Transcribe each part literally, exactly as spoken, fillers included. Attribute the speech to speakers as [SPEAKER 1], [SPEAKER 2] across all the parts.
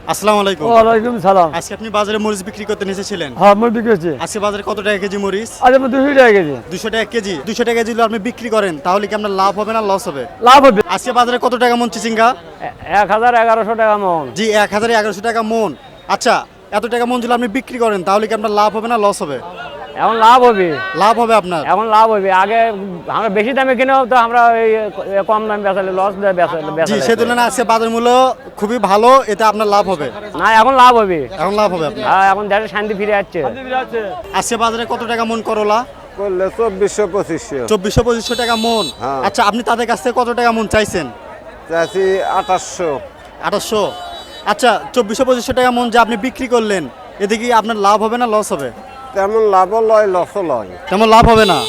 [SPEAKER 1] আসসালামু আলাইকুম।
[SPEAKER 2] ওয়ালাইকুম সালাম।
[SPEAKER 1] আজকে আপনি বাজারে মরিচ বিক্রি করতে এসেছিলেন?
[SPEAKER 2] হ্যাঁ, মরিচ বিক্রি হচ্ছে।
[SPEAKER 1] আজকে বাজারে কত টাকা কেজি মরিচ?
[SPEAKER 2] আজ আমরা দুশো টাকা কেজি।
[SPEAKER 1] দুশো টাকা কেজি। দুশো টাকা কেজি যদি আপনি বিক্রি করেন তাহলে কি আপনার লাভ হবে না লস হবে?
[SPEAKER 2] লাভ হবে।
[SPEAKER 1] আজকে বাজারে কত টাকা মন চিচিঙ্গা?
[SPEAKER 2] এ- এক হাজার এগারোশো টাকা মন।
[SPEAKER 1] জি এক হাজার এগারোশো টাকা মন। আচ্ছা, এত টাকা মন যদি আপনি বিক্রি করেন তাহলে কি আপনার লাভ হবে না লস হবে?
[SPEAKER 2] এখন লাভ হবে।
[SPEAKER 1] লাভ হবে আপনার।
[SPEAKER 2] এখন লাভ হবে। আগে আমরা বেশি দামে কিনেও তো আমরা এই কম দামে বেচালে লস দেয়
[SPEAKER 1] জি,
[SPEAKER 2] বেচালে।
[SPEAKER 1] সেই তুলনায় আজকে বাজার মূল্য খুবই ভালো, এতে আপনার লাভ হবে।
[SPEAKER 2] না, এখন লাভ হবে।
[SPEAKER 1] এখন লাভ হবে আপনার।
[SPEAKER 2] হ্যাঁ, এখন দেশে শান্তি ফিরে যাচ্ছে।
[SPEAKER 1] আজকে বাজারে কত টাকা মন করলা?
[SPEAKER 3] করলে চব্বিশশো পঁচিশশো
[SPEAKER 1] চব্বিশশো পঁচিশশো টাকা মন।
[SPEAKER 3] হ্যাঁ।
[SPEAKER 1] আচ্ছা, আপনি তাদের কাছ থেকে কত টাকা মন চাইছেন?
[SPEAKER 3] চাষি আঠাশশো।
[SPEAKER 1] আঠাশশো। আচ্ছা, চব্বিশশো পঁচিশশো টাকা মন যে আপনি বিক্রি করলেন, এতে কি আপনার লাভ হবে না লস হবে?
[SPEAKER 3] তেমন লাভও লয় লসও লয়।
[SPEAKER 1] তেমন লাভ হবে না।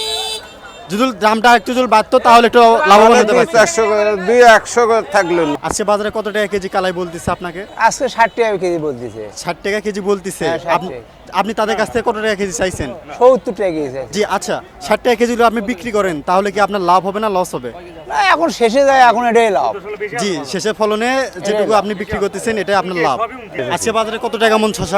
[SPEAKER 1] যদি দামটা একটু যদি বাড়তো তাহলে একটু লাভবান হতে
[SPEAKER 3] দুই
[SPEAKER 1] পারতেন।
[SPEAKER 3] চারশো করে দুই একশো করে থাকলো না।
[SPEAKER 1] আজকে বাজারে কত টাকা কেজি কালাই বলতেছে আপনাকে?
[SPEAKER 4] আজকে ষাট টাকা কেজি বলতেছে।
[SPEAKER 1] ষাট টাকা কেজি বলতেছে।
[SPEAKER 4] হ্যাঁ, ষাট
[SPEAKER 1] আপনি
[SPEAKER 4] টাকা।
[SPEAKER 1] আপনি তাদের কাছ থেকে কত টাকা কেজি চাইছেন?
[SPEAKER 4] সত্তর টাকা কেজি আছে।
[SPEAKER 1] জি আচ্ছা, ষাট টাকা কেজি যদি আপনি বিক্রি করেন তাহলে কি আপনার লাভ হবে না লস হবে?
[SPEAKER 4] না, এখন শেষে যায়, এখন এটাই লাভ।
[SPEAKER 1] জি, শেষে ফলনে যেটুকু আপনি বিক্রি করতেছেন এটাই আপনার লাভ। আজকে বাজারে কত টাকা মন শশা?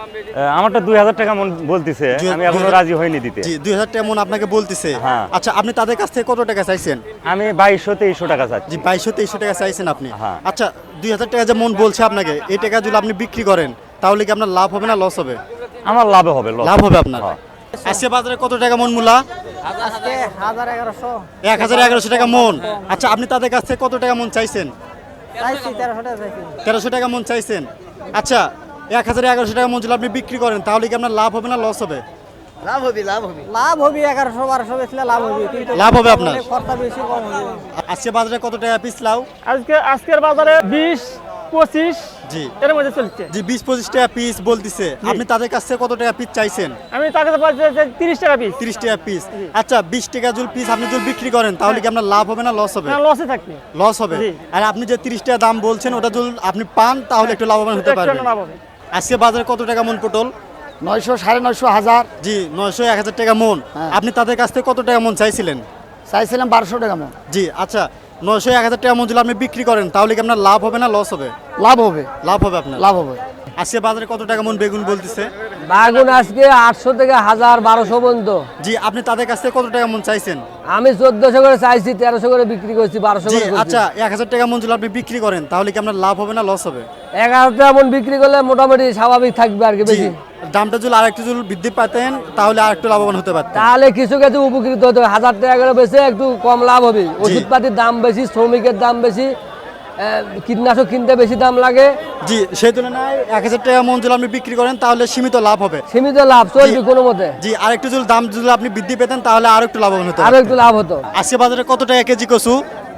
[SPEAKER 5] আমারটা দুই হাজার টাকা মন বলতেছে,
[SPEAKER 1] দুই-
[SPEAKER 5] আমি এখনো
[SPEAKER 1] দুই-
[SPEAKER 5] রাজি হইনি দিতে।
[SPEAKER 1] জি, দুই হাজার টাকা মন আপনাকে বলতেছে।
[SPEAKER 5] হ্যাঁ।
[SPEAKER 1] আচ্ছা, আপনি তাদের কাছ থেকে কত টাকা চাইছেন?
[SPEAKER 5] আমি বাইশশো তেইশশো টাকা চাচ্ছি।
[SPEAKER 1] জি, বাইশশো তেইশশো টাকা চাইছেন আপনি।
[SPEAKER 5] হ্যাঁ।
[SPEAKER 1] আচ্ছা, দুই হাজার টাকা যে মন বলছে আপনাকে, এই টাকা যদি আপনি বিক্রি করেন তাহলে কি আপনার লাভ হবে না লস হবে?
[SPEAKER 5] আমার লাভ হবে, loss
[SPEAKER 1] লাভ হবে আপনার।
[SPEAKER 5] হ্যাঁ।
[SPEAKER 1] আজকে বাজারে কত টাকা মন মূলা?
[SPEAKER 4] আজকে হাজার এগারোশো
[SPEAKER 1] এক হাজার এগারোশো টাকা মন। আচ্ছা, আপনি তাদের কাছ থেকে কত টাকা মন চাইছেন?
[SPEAKER 4] চাইছি তেরোশো টাকা চাইছি।
[SPEAKER 1] তেরোশো টাকা মন চাইছেন। আচ্ছা, এক হাজার এগারোশো টাকা মন যদি আপনি বিক্রি করেন তাহলে কি আপনার লাভ হবে না লস হবে?
[SPEAKER 4] লাভ হবে, লাভ হবে। লাভ হবে, এগারোশো বারোশো বেচলে লাভ হবে, কিন্তু
[SPEAKER 1] লাভ হবে আপনার।
[SPEAKER 4] খরচা বেশি, কম হবে।
[SPEAKER 1] আজকে বাজারে কত টাকা পিস লাউ?
[SPEAKER 2] আজকে আজকের বাজারে বিশ পঁচিশ
[SPEAKER 1] জি
[SPEAKER 2] এর মধ্যে চলছে।
[SPEAKER 1] জি বিশ পঁচিশ টাকা পিস বলতেছে। আপনি তাদের কাছ থেকে কত টাকা পিস চাইছেন?
[SPEAKER 2] আমি তাকে তিরিশ টাকা পিস।
[SPEAKER 1] তিরিশ টাকা পিস। আচ্ছা, বিশ টাকা যদি পিস আপনি যদি বিক্রি করেন তাহলে কি আপনার লাভ হবে না লস হবে?
[SPEAKER 2] না, লসে থাকবে।
[SPEAKER 1] লস হবে।
[SPEAKER 2] জি।
[SPEAKER 1] আর আপনি যে তিরিশ টাকা দাম বলছেন ওটা যদি আপনি পান তাহলে একটু লাভবান হতে
[SPEAKER 2] একটু
[SPEAKER 1] পারবেন।
[SPEAKER 2] লাভ হবে।
[SPEAKER 1] আজকে বাজারে কত টাকা মন পটল?
[SPEAKER 2] নয়শো সাড়ে নয়শো হাজার
[SPEAKER 1] জি, নয়শো এক হাজার টাকা মন। আপনি তাদের কাছ থেকে কত টাকা মন চাইছিলেন?
[SPEAKER 2] চাইছিলাম বারোশো টাকা মন।
[SPEAKER 1] জি আচ্ছা, নয়শো এক হাজার টাকা মন যদি আপনি বিক্রি করেন তাহলে কি আপনার লাভ হবে না লস হবে?
[SPEAKER 2] লাভ হবে।
[SPEAKER 1] লাভ হবে আপনার।
[SPEAKER 2] লাভ হবে।
[SPEAKER 1] আজকে বাজারে কত টাকা মন বেগুন বলতেছে?
[SPEAKER 2] বাগুন আজকে আটশো থেকে হাজার বারোশো পর্যন্ত।
[SPEAKER 1] জি, আপনি তাদের কাছ থেকে কত টাকা মন চাইছেন?
[SPEAKER 2] আমি চোদ্দশো করে চাইছি, তেরোশো করে বিক্রি করছি, বারোশো
[SPEAKER 1] জি
[SPEAKER 2] করে করছি।
[SPEAKER 1] আচ্ছা, এক হাজার টাকা মন যদি আপনি বিক্রি করেন তাহলে কি আপনার লাভ হবে না লস হবে?
[SPEAKER 2] এগারো টাকা মন বিক্রি করলে মোটামুটি স্বাভাবিক থাকবে আর কি,
[SPEAKER 1] জি,
[SPEAKER 2] বেশি।
[SPEAKER 1] দামটা যদি আরেকটু যদি বৃদ্ধি পাতেন তাহলে আরেকটু লাভবান হতে পারতেন।
[SPEAKER 2] তাহলে কিছু কিছু উপকৃত হতে হবে। হাজার টাকা করে বেশি একটু কম লাভ হবে। ওষুধপাতির দাম বেশি, শ্রমিকের দাম বেশি, আহ, কীটনাশক কিনতে বেশি দাম লাগে।
[SPEAKER 1] জি, সেই তুলনায় এক হাজার টাকা মন যদি আপনি বিক্রি করেন তাহলে সীমিত লাভ হবে।
[SPEAKER 2] সীমিত লাভ চলবে কোনো মতে।
[SPEAKER 1] জি, আরেকটু যদি দাম যদি আপনি বৃদ্ধি পেতেন তাহলে আরো একটু লাভবান হতে
[SPEAKER 2] আরো
[SPEAKER 1] পারতেন।
[SPEAKER 2] একটু লাভ হতো।
[SPEAKER 1] আজকে বাজারে কত টাকা কেজি কচু?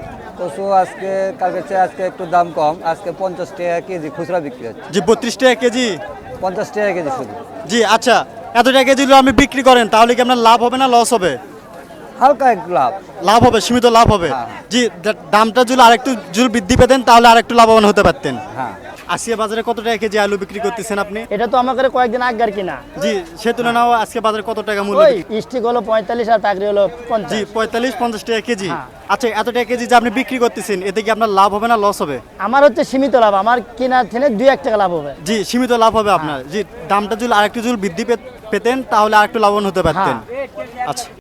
[SPEAKER 4] কচু আজকে কালকে চেয়ে আজকে একটু দাম কম, আজকে পঞ্চাশ টাকা কেজি খুচরা বিক্রি হচ্ছে।
[SPEAKER 1] জি, বত্রিশ টাকা কেজি।
[SPEAKER 4] পঞ্চাশ টাকা কেজি শুধু।
[SPEAKER 1] জি আচ্ছা, এত টাকা কেজি যদি আপনি বিক্রি করেন তাহলে কি আপনার লাভ হবে না লস হবে?
[SPEAKER 4] হালকা একটু লাভ।
[SPEAKER 1] লাভ হবে, সীমিত লাভ হবে।
[SPEAKER 4] হ্যাঁ।
[SPEAKER 1] জি, দা- দামটা যদি আরেকটু যদি বৃদ্ধি পেতেন তাহলে আরেকটু লাভবান হতে পারতেন।
[SPEAKER 4] হ্যাঁ,
[SPEAKER 1] আজকে বাজারে কত টাকা কেজি আলু বিক্রি করতেছেন আপনি?
[SPEAKER 6] এটা তো আমাদের কয়েকদিন আগের কিনা।
[SPEAKER 1] জি, সে তুলনায় আজকে বাজারে কত টাকা মূল্য?
[SPEAKER 6] ওই
[SPEAKER 1] বিক্রি-
[SPEAKER 6] স্টিক হলো পঁয়তাল্লিশ আর পাকড়ি হলো
[SPEAKER 1] জি,
[SPEAKER 6] পঞ্চাশ।
[SPEAKER 1] পঁয়তাল্লিশ পঞ্চাশ টাকা কেজি।
[SPEAKER 6] হ্যাঁ।
[SPEAKER 1] আচ্ছা, এত টাকা কেজি যে আপনি বিক্রি করতেছেন এতে কি আপনার লাভ হবে না লস হবে?
[SPEAKER 6] আমার হচ্ছে সীমিত লাভ, আমার কিনা থেকে দুই এক টাকা লাভ হবে।
[SPEAKER 1] জি, সীমিত লাভ হবে আপনার। জি, দামটা যদি আরেকটু যদি বৃদ্ধি পে- পেতেন তাহলে আরেকটু লাভবান হতে পারতেন। আচ্ছা।